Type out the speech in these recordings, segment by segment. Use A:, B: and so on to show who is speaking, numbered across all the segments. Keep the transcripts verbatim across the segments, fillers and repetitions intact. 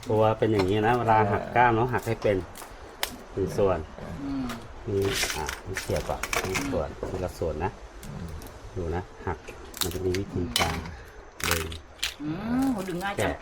A: ตัวเป็นอย่างนี้นะเวลาหักกล้ามเนาะหักให้เป็นหนึ่งส่วนนี่อ่ะนี่เสียบก่อนนี่ส่วนนี่ละส่วนนะดูนะหักมันจะมีวิธีการดึง
B: อืมโหดึงง่ายจัง
A: แกะ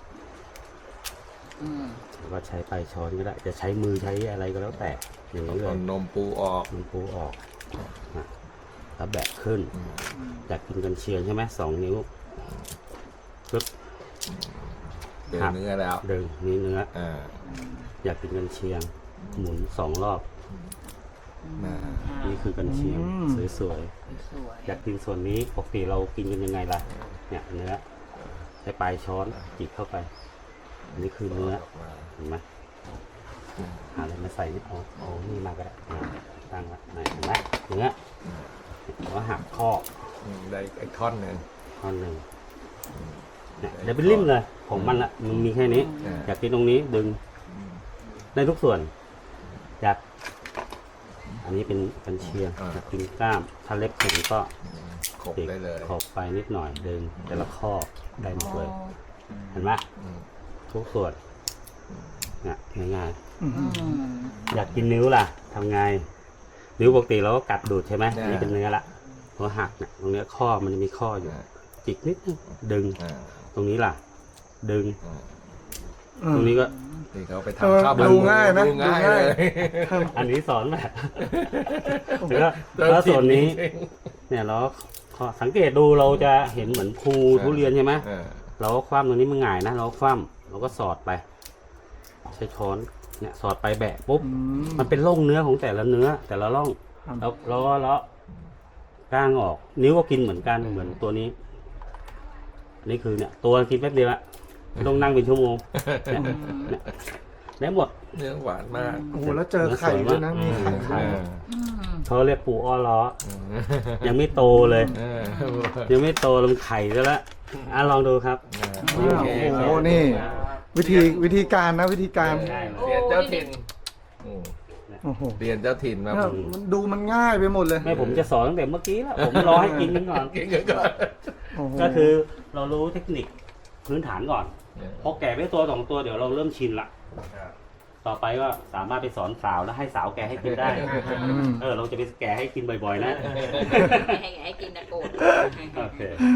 A: หรือว่าใช้ปลายช้อนก็ได้จะใช้มือใช้อะไรก็แล้วแต่อย่างนี้เล
C: เอา
A: ย
C: นมปูออก
A: มันปูออกนะแล้วแบะขึ้นอยากกินกันเชียงใช่ไหมสองนิ้วปึ๊บ
C: เดือเนื้อแล้ว
A: ดึงนี่เนื้อ
C: อ่า
A: อยากกินกันเชียง หมุนสองรอบ
C: น่า
A: นี่คือกันเชียงสวย
B: สวย
A: ๆอยากกินส่วนนี้ปกติเรากินกันยังไงล่ะเนี่ยเนื้อใช้ปลายช้อนจิกเข้าไปอันนี้คือเนื้อเห็นไหมหาอะไรมาใส่นี่เอาเอานี่มาก็ได้อ่าตั้งไว้ไหนเห็นไหมเนื้อแล้วหักข้อ
C: อืมได้ไอ้ท่อนหนึ่ง
A: ท่อนหนึ่งเนี่ยเดี๋ยวเป็นริมเลยของมันละมันมีแค่นี้
C: อ่า
A: อยากกินตรงนี้ดึงได้ทุกส่วนอยากอันนี้เป็นกันเชียงอยากกินกล้ามถ้าเล็บแข็งก็
C: ขบได้เลย
A: ขอบไปนิดหน่อยดึงแต่ละข้อได้หมดเลยเห็นไหม
C: อืม
A: ทุกส่วนเนี่ยง่าย
B: อืม
A: ๆอยากกินนิ้วล่ะทำไงนิ้วปกติเราก็กัดดูดใช่ไหมอันนี้เป็นเนื้อละพอหักเนี่ยตรงเนี้ยข้อมันจะมีข้ออยู่ จิกนิดนึงดึง
C: อ่า
A: ตรงนี้ล่ะ ดึง
C: อ่า
A: ตรงนี้ก็
C: นี่เขาไป
D: เออ
C: ทำข้าว
D: ดูง่ายนะ
C: ดูง่าย
D: ดูง่าย
C: เลย
A: อันนี้สอนแบบแล้วแล้วส่วนนี้ เนี่ยเราก็สังเกตดูเราจะเห็นเหมือนภูทุเรียนใช่ไหม
C: อ่า
A: เราก็คว่ำตรงนี้มันง่ายนะเราก็คว่ำเราก็สอดไป ใช้ช้อนเนี่ยสอดไปแบะปุ๊บ
D: อืม
A: มันเป็นร่องเนื้อของแต่ละเนื้อ แต่ละร่อง
D: ครับ
A: แล้วเราก็เลาะก้างออก นิ้วก็กินเหมือนกันเหมือนตัวนี้อันนี้คือเนี่ย ตัวกินแป๊บเดียวอะไม่ต้องนั่งเป็นชั่วโมงเนี่ยเนี่ยได้หมด
C: เนื้อหวานมาก
D: โอ้โหแล้วเจอไข่ด้วยนะมีไข่
A: ไข่
D: ด้วย
B: อืม
A: เขาเรียกปูอ้อล้อ
C: อืม
A: ยังไม่โตเลย
C: เออ
A: ยังไม่โตลงไข่ซะแล้วอ่ะลองดูครับ
C: โอเค
D: โอ้โหนี่ วิธีวิธีการนะวิธีการ
C: เรียนเจ้าถิ่นอืม
D: โอ้โห
C: เรียนเจ้าถิ่นมา
D: เนี่ยมันดูมันง่ายไปหมดเลย
A: ไม่ผมจะสอนตั้งแต่เมื่อกี้แล้วผมรอให้กินกันก่อน
C: กินกันก่อน
D: โอ้โห
A: ก็คือเรารู้เทคนิคพื้นฐานก่อนพอแก่ไปตัวสองตัวเดี๋ยวเราเริ่มชินละต่อไปก็สามารถไปสอนสาวแล้วให้สาวแก่ให้กินได้
D: อืม
A: เออเราจะไปแก่ให้กินบ่อยๆนะ
B: ให้ให้กินนะโกรธ
A: โอเค